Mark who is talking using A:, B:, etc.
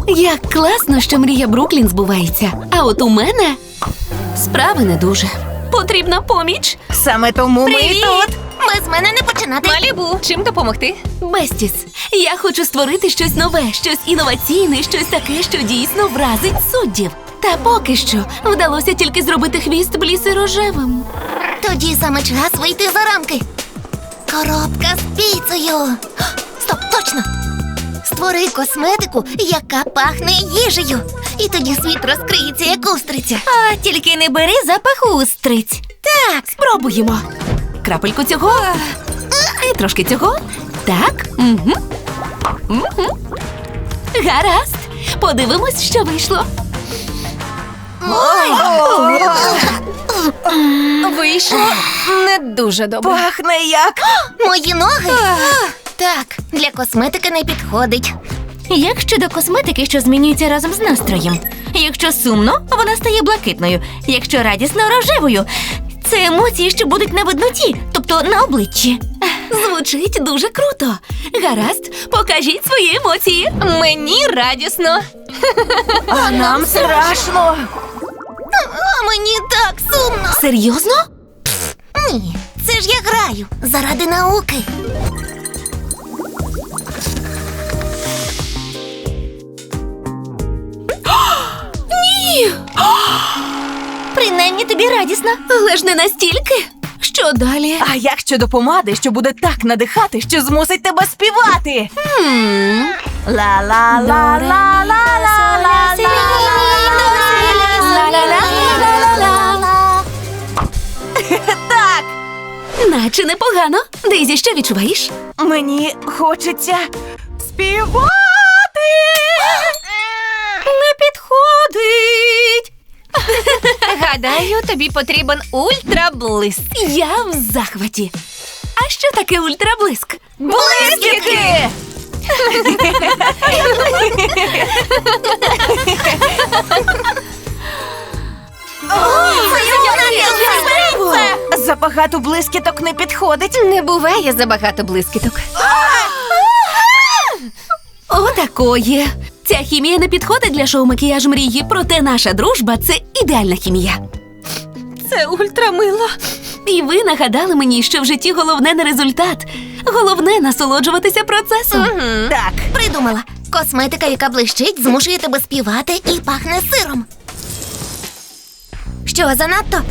A: Як класно, що мрія Бруклін збувається. А от у мене справи не дуже. Потрібна поміч.
B: Саме тому ми
C: Привіт!
B: тут.
C: Без мене не починати.
D: Малібу, чим допомогти?
A: Бестіс, я хочу створити щось нове, щось інноваційне, щось таке, що дійсно вразить суддів. Та поки що вдалося тільки зробити хвіст Бліси рожевим.
C: Тоді саме час вийти за рамки. Коробка з піцею. Стоп, точно! Створи косметику, яка пахне їжею. І тоді світ розкриється, як устриця.
B: А тільки не бери запах устриць.
A: Так, спробуємо. Крапельку цього. І трошки цього. Так. Угу. Гаразд. Подивимось, що вийшло.
D: Вийшло не дуже добре.
B: Пахне як.
C: Мої ноги? Так, для косметики не підходить.
B: Як щодо косметики, що змінюється разом з настроєм? Якщо сумно, вона стає блакитною. Якщо радісно, рожевою. Це емоції, що будуть на видноті, тобто на обличчі.
A: Звучить дуже круто. Гаразд, покажіть свої емоції.
D: Мені радісно.
B: А нам страшно.
C: А мені так сумно.
A: Серйозно?
C: Ні, це ж я граю заради науки.
A: Ні!
B: Принаймні тобі радісно.
A: Але ж не настільки. Що далі?
B: А як щодо помади, що буде так надихати, що змусить тебе співати? Так,
A: Наче непогано. Дейзі, що відчуваєш?
B: мені хочеться співати.
D: Не підходить. Гадаю, тобі потрібен ультраблиск.
A: Я в захваті. А що таке ультраблиск?
B: Блискітки! Забагато блискіток не підходить.
D: Не буває забагато блискіток.
A: Отакої. Ця хімія не підходить для шоу-макіяж мрії, проте наша дружба – це ідеальна хімія.
D: Це ультрамило.
A: І ви нагадали мені, що в житті головне не результат. Головне – насолоджуватися процесом.
B: Так,
C: Придумала. Косметика, яка блищить, змушує тебе співати і пахне сиром. Що, занадто?